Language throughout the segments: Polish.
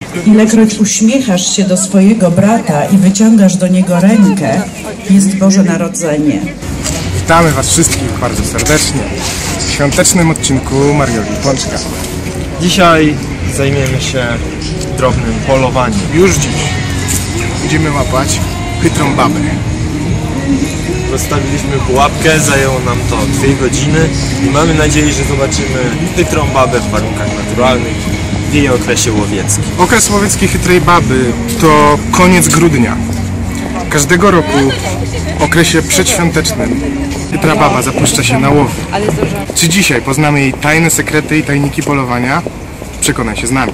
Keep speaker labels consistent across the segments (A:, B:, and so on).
A: Ilekroć uśmiechasz się do swojego brata i wyciągasz do niego rękę, jest Boże Narodzenie.
B: Witamy Was wszystkich bardzo serdecznie w świątecznym odcinku Marioli Pączka.
C: Dzisiaj zajmiemy się drobnym polowaniem.
B: Już dziś będziemy łapać chytrą babę.
C: Rozstawiliśmy pułapkę, zajęło nam to 2 godziny i mamy nadzieję, że zobaczymy chytrą babę w warunkach naturalnych w jej okresie łowieckim.
B: Okres łowiecki chytrej baby to koniec grudnia. Każdego roku w okresie przedświątecznym chytra baba zapuszcza się na łowy. Czy dzisiaj poznamy jej tajne sekrety i tajniki polowania? Przekonaj się z nami.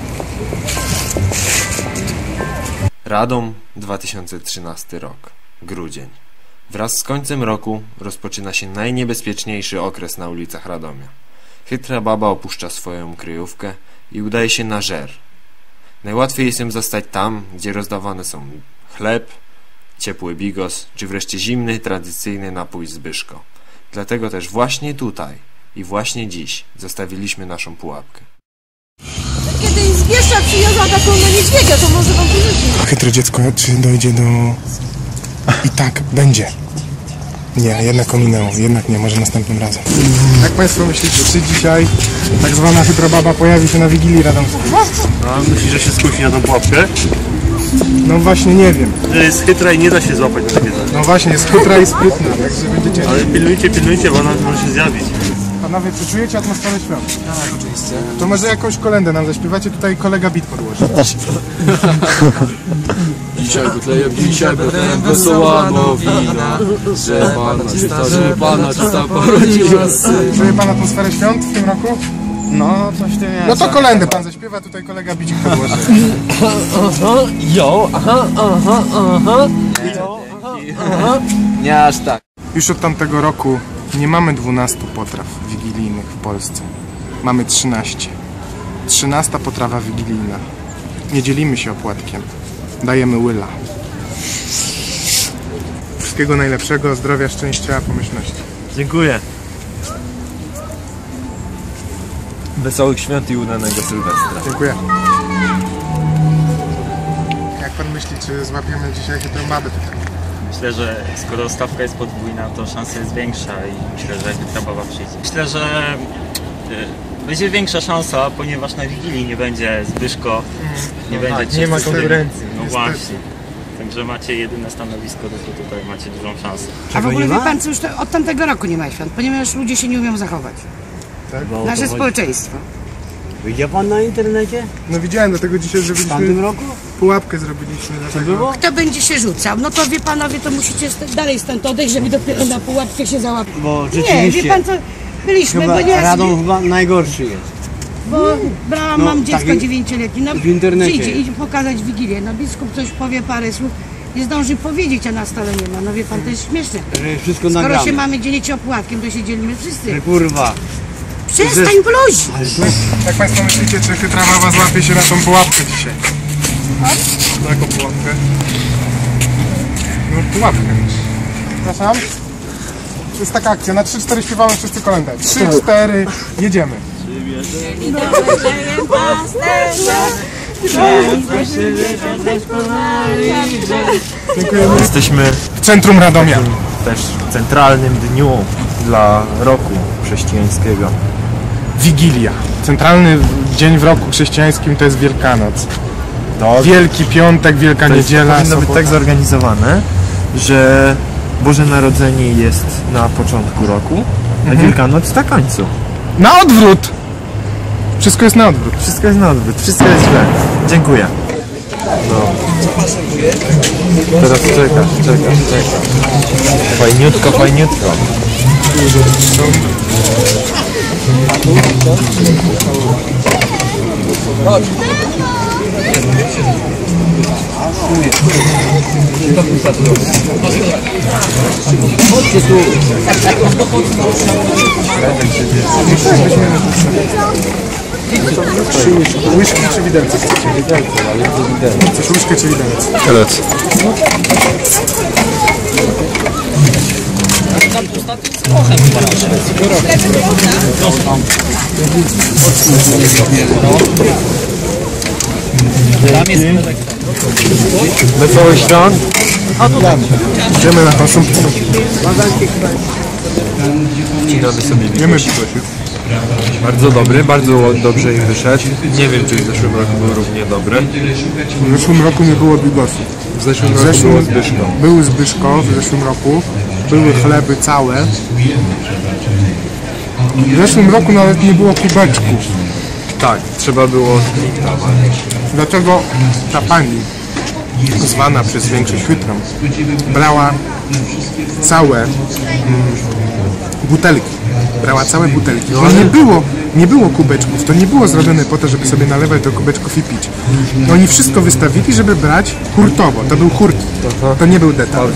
C: Radom, 2013 rok. Grudzień. Wraz z końcem roku rozpoczyna się najniebezpieczniejszy okres na ulicach Radomia. Chytra baba opuszcza swoją kryjówkę i udaje się na żer. Najłatwiej jest ją zastać tam, gdzie rozdawane są chleb, ciepły bigos, czy wreszcie zimny, tradycyjny napój Zbyszko. Dlatego też właśnie tutaj i właśnie dziś zostawiliśmy naszą pułapkę.
D: Kiedyś z Bieszcza przywiozła taką na niedźwiedzia, to może wam porzucić.
B: Chytre dziecko, czy dojdzie do... I tak, będzie. Nie, jednak ominęło. Jednak nie, może następnym razem. Jak Państwo myślicie, czy dzisiaj tak zwana chytra baba pojawi się na Wigilii Radomskiej?
E: A myślisz, że się skusi na tą pułapkę?
B: No właśnie, nie wiem.
E: Że jest chytra i nie da się złapać na takie coś.
B: No właśnie, jest chytra i sprytna, także będziecie...
E: Ale pilnujcie, bo ona może się zjawić.
B: Panowie, czy czujecie atmosferę świąt? Tak, oczywiście. To może jakąś kolędę nam zaśpiewacie, tutaj kolega beat podłoży.
F: Dzisiaj butlejem wesoła nowina, że Pana czysta porodziła syn.
B: Czuje Pan atmosferę świąt w tym roku?
F: No, coś w tym jest.
B: No to kolędę Pan zaśpiewa, tutaj kolega beat podłoży.
F: Nie aż tak.
B: Już od tamtego roku nie mamy 12 potraw wigilijnych w Polsce. Mamy 13. 13 potrawa wigilijna. Nie dzielimy się opłatkiem. Dajemy łyla. Wszystkiego najlepszego, zdrowia, szczęścia, pomyślności.
E: Dziękuję.
C: Wesołych świąt i udanego Sylwestra.
B: Dziękuję. Jak Pan myśli, czy złapiemy dzisiaj chytrą babę tutaj?
G: Myślę, że skoro stawka jest podwójna, to szansa jest większa i myślę, że chytra baba przyjdzie. Myślę, że będzie większa szansa, ponieważ na Wigilii nie będzie Zbyszko,
C: Nie ma konkurencji.
G: No właśnie. Także macie jedyne stanowisko, to tutaj macie dużą szansę.
D: A w ogóle wie pan co, już to od tamtego roku nie ma świąt, ponieważ ludzie się nie umią zachować.
B: Tak?
D: Nasze społeczeństwo.
F: Widział Pan na internecie?
B: No widziałem, dlatego dzisiaj
F: W tamtym
B: zrobiliśmy
F: roku?
B: pułapkę zrobiliśmy. Dlatego...
D: Kto będzie się rzucał? No to wie panowie, to musicie dalej stąd odejść, żeby dopiero na pułapkę się załapać.
F: Bo
D: Nie,
F: rzeczywiście,
D: wie pan co, byliśmy,
F: chyba
D: bo nie
F: Radom chyba najgorszy jest.
D: bo brałam,
F: No,
D: mam dziecko
F: tak,
D: 9-letnie, no
F: w internecie
D: przyjdzie
F: jest.
D: i pokazać Wigilię, no biskup coś powie, parę słów, nie zdąży powiedzieć, a na stole nie ma, no wie pan, to jest śmieszne.
F: Że jest wszystko
D: Skoro
F: nagrane.
D: się mamy dzielić opłatkiem, to się dzielimy wszyscy.
F: Że kurwa.
D: Przestań bluź!
B: Jak Państwo myślicie, czy chytra baba złapie się na tą pułapkę dzisiaj? Na jaką pułapkę? No pułapkę. Przepraszam? To jest taka akcja, na 3-4 śpiewamy wszyscy kolędę. 3-4, jedziemy. Dziękujemy.
C: Jesteśmy
B: W centrum Radomia.
C: też w centralnym dniu dla roku chrześcijańskiego.
B: Wigilia. Centralny dzień w roku chrześcijańskim to jest Wielkanoc. Wielki Piątek, Wielka Niedziela.
C: Powinno być
B: sobota.
C: tak zorganizowane, że Boże Narodzenie jest na początku roku, a Wielkanoc na końcu.
B: Na odwrót! Wszystko jest na odwrót.
C: Wszystko jest na odwrót, wszystko jest źle. Dziękuję. No. Teraz czekasz. Fajniutko.
F: Chodźcie tu.
B: Łyżki czy widelce?
F: Widelce, ale to widelce.
B: Chcesz łyżkę czy widelec?
C: Widelec. Wesołych świąt.
B: Idziemy na konsumpcję.
C: Wcinamy sobie
B: Wiemy,
C: Bardzo dobry, bardzo dobrze im wyszedł. Nie wiem, czy w zeszłym roku był równie dobry.
B: w zeszłym roku nie było bigosów.
C: W zeszłym roku było Zbyszko.
B: Był Zbyszko w zeszłym roku. Były chleby całe. W zeszłym roku nawet nie było kubeczków.
C: Tak, trzeba było strictować.
B: Dlatego ta pani, zwana przez większość chytrą, brała całe butelki. Brała całe butelki. Bo nie było kubeczków. To nie było zrobione po to, żeby sobie nalewać do kubeczków i pić. Oni wszystko wystawili, żeby brać hurtowo. To był hurt. To nie był detal.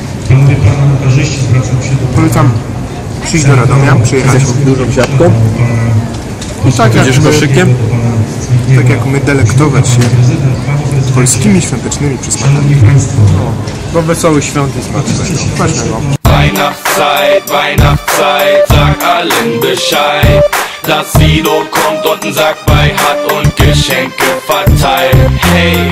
B: Polecam przyjść do Radomia, przyjechać.
C: Dużą siatką.
B: I tak
C: Będziesz koszykiem.
B: Tak jak my delektować się polskimi świątecznymi przysmakami.
C: Do wesołych świąt i smacznego.
B: Smacznego.
H: Weihnachtszeit, Weihnachtszeit, sag allen Bescheid, dass Sido kommt und einen Sack bei hat und Geschenke verteilt. Hey.